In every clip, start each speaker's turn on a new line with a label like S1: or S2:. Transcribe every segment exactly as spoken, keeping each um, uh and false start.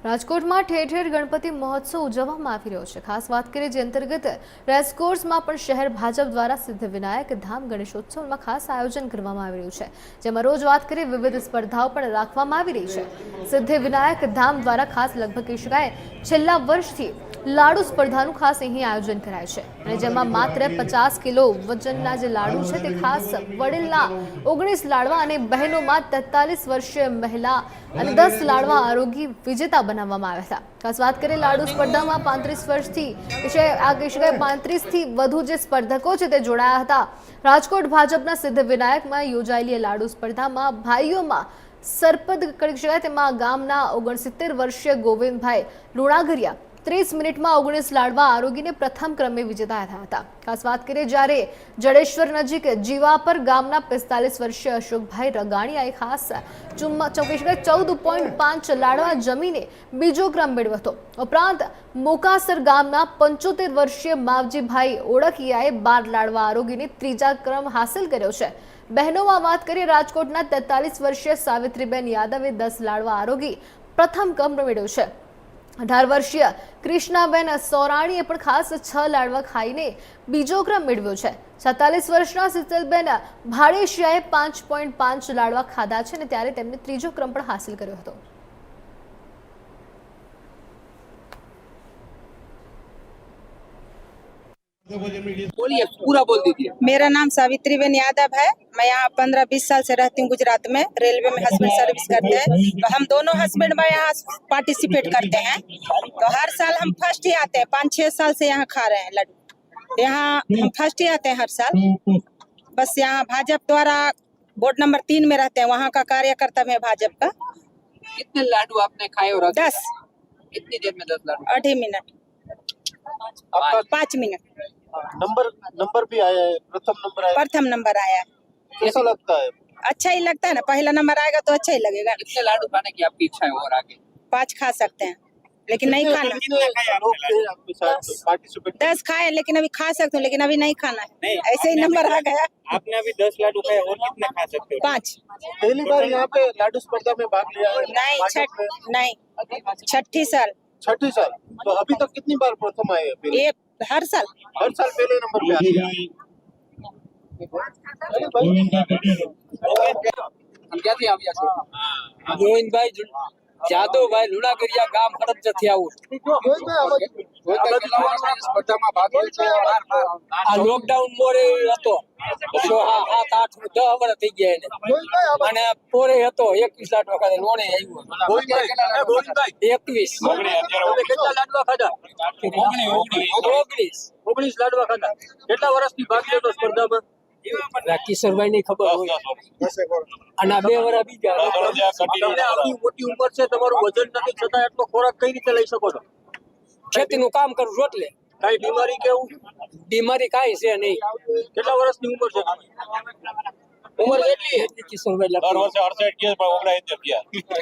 S1: રાજકોટમાં ઠેર ઠેર ગણપતિ મહોત્સવ ઉજવવામાં આવી રહ્યો છે। ખાસ વાત કરીએ જે અંતર્ગત રેસકોર્સમાં પણ શહેર ભાજપ દ્વારા સિદ્ધિવિનાયક ધામ ગણેશોત્સવમાં ખાસ આયોજન કરવામાં આવી રહ્યું છે, જેમાં રોજ વાત કરીએ વિવિધ સ્પર્ધાઓ પણ રાખવામાં આવી રહી છે। સિદ્ધિવિનાયક ધામ દ્વારા ખાસ લગભગ કહી શકાય છેલ્લા વર્ષથી લાડુ સ્પર્ધાનું ખાસ અહીં આયોજન કરાય છે, અને જેમાં માત્ર પચાસ કિલો વજનના જે લાડુ છે તે ખાસ વડીલના ઓગણીસ લાડવા અને બહેનોમાં તેતાલીસ વર્ષીય મહિલા અને દસ લાડવા આરોગી વિજેતા બનાવવામાં આવ્યા હતા। ખાસ વાત કરીએ લાડુ સ્પર્ધામાં પાંત્રીસ વર્ષથી વિશે આ કહી શકાય પાંત્રીસથી વધુ જે સ્પર્ધકો છે તે જોડાયા હતા। રાજકોટ ભાજપના સિદ્ધિવિનાયકમાં યોજાયેલી લાડુ સ્પર્ધામાં ભાઈઓમાં સરપદ કરી શકાય તેમાં ગામના ઓગણસિત્તેર વર્ષીય ગોવિંદભાઈ લુણાગરિયા ત્રીસ મિનિટમાં ઓગણીસ લાડવા આરોગીને પ્રથમ ક્રમે વિજેતા થયા હતા। ખાસ વાત કરીએ જ્યારે જડેશ્વર નજીક જીવાપર ગામના પિસ્તાલીસ વર્ષીય અશોકભાઈ રગાણીયાએ ખાસ ચોવીસ ચૌદ પોઈન્ટ પાંચ લાડવા જમીને બીજો ક્રમ મેળવ્યો હતો। ઉપરાંત મોકાસર ગામના પંચોતેર વર્ષીય માવજીભાઈ ઓળખિયાએ બાર લાડવા આરોગીને ત્રીજા ક્રમ હાંસલ કર્યો છે। બહેનોમાં વાત કરીએ રાજકોટના તેતાલીસ વર્ષીય સાવિત્રીબેન યાદવે દસ લાડવા આરોગી પ્રથમ ક્રમ મેળવ્યો છે। અઢાર વર્ષીય કૃષ્ણાબેન સોરાણીએ પણ ખાસ છ લાડવા ખાઈને બીજો ક્રમ મેળવ્યો છે। સત્તાલીસ વર્ષના શીતલબેન ભાડેશિયાએ પાંચ પોઈન્ટ પાંચ લાડવા ખાધા છે અને ત્યારે તેમને ત્રીજો ક્રમ પણ હાંસલ કર્યો હતો।
S2: बोलिए, पूरा बोल दीजिए।
S3: मेरा नाम सावित्रीबेन यादव है। मैं यहाँ पंद्रह बीस साल से रहती हूँ गुजरात में, रेलवे में हस्बैंड सर्विस करते हैं। तो हम दोनों हस्बैंड में यहाँ पार्टिसिपेट करते हैं। तो हर साल हम फर्स्ट ही आते हैं, पाँच छह साल से यहाँ खा रहे हैं लड्डू। यहाँ हम फर्स्ट ही आते हैं हर साल। बस यहाँ भाजपा द्वारा बोर्ड नंबर तीन में रहते हैं, वहाँ का कार्यकर्ता में भाजपा का।
S2: कितने लाडू आपने खाए और अभी?
S3: दस।
S2: कितनी देर में दस लाडू?
S3: अढ़ी मिनट, पाँच मिनट।
S4: नंबर नंबर भी आया है, प्रथम नंबर आया है।
S3: प्रथम नंबर आया है।
S4: कैसा लगता है?
S3: अच्छा ही लगता है ना, पहला नंबर आएगा तो अच्छा ही लगेगा।
S2: कितने लाडू खाने की आपकी इच्छा है और आगे?
S3: पाँच खा सकते हैं लेकिन नहीं खाना।
S4: लोग थे आपके साथ पार्टिसिपेट?
S3: दस खाए लेकिन अभी खा सकते हो, लेकिन अभी नहीं खाना है, ऐसे ही नंबर आ गया।
S5: आपने अभी दस लाडू खाए और कितने खा सकते हो?
S3: पाँच।
S4: पहली बार यहाँ पे लाडू स्पर्धा में भाग लिया है?
S3: नहीं छठ नहीं छठी साल।
S4: छठी साल। तो अभी तक कितनी बार प्रथम आए हैं?
S3: ये हर साल
S4: हर साल पहले नंबर पे आते हैं।
S2: हम क्या थे आप यहाँ गोविंदभाई જાદવભાઈ લુણાગરિયા ગામ હળદ જથી આવું સ્પર્ધામાં ભાગ લે છે। આ લોકડાઉન મોરે હતો સાત આઠ દસ વર્ષ થઈ ગયા એને, અને પોરે હતો એકવીસ લાખ વખતે લોણે આવ્યો એકવીસ કેટલા લાડવા ખાધા? ઓગણીસ ઓગણીસ લાડવા ખાધા। કેટલા વર્ષથી ભાગ લેતો સ્પર્ધામાં? કિશોરભાઈ ની ખબર હોય, અને બે વર્ષ બીજા। આવડી મોટી ઉંમર છે, તમારું વજન નથી છતાં એટલો ખોરાક કઈ રીતે લઈ શકો છો? ખેતી નું કામ કરું છું એટલે કઈ બીમારી કેવું? બીમારી કઈ છે નહીં। કેટલા વર્ષની ઉંમર છે? ઉંમર કેટલી? કિશોરભાઈ દર વર્ષે અડસઠ કે પણ ઓગણસિત્તેર ગયા।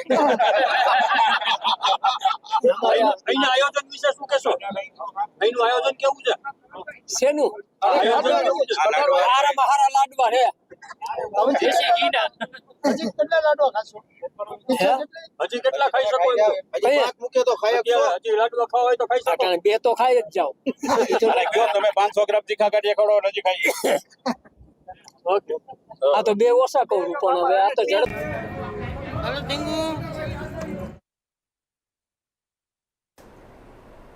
S2: અહીંના આયોજન વિશે શું કહેશો? અહીંનું આયોજન કેવું છે? શેનું આયોજન કેવું છે? હારામાં હારા લાડવા છે। દેશી ઘીના
S4: હજી કેટલા લાડવા ખાશો?
S2: હજી કેટલા ખાઈ શકો?
S4: હજી પાંચ મૂકે તો ખાઈ શકશો?
S2: હજી લાડવા ખાવા હોય તો ખાઈ શકો? બે તો ખાઈ જ જાઓ।
S5: અરે કયો તમે પાંચસો ગ્રામ તીખા કાઢીએ ખડો નજી ખાઈએ।
S2: ઓકે, આ તો બે ઓછા કહું પણ હવે આ તો ઝડપ
S6: Halo Tinggu.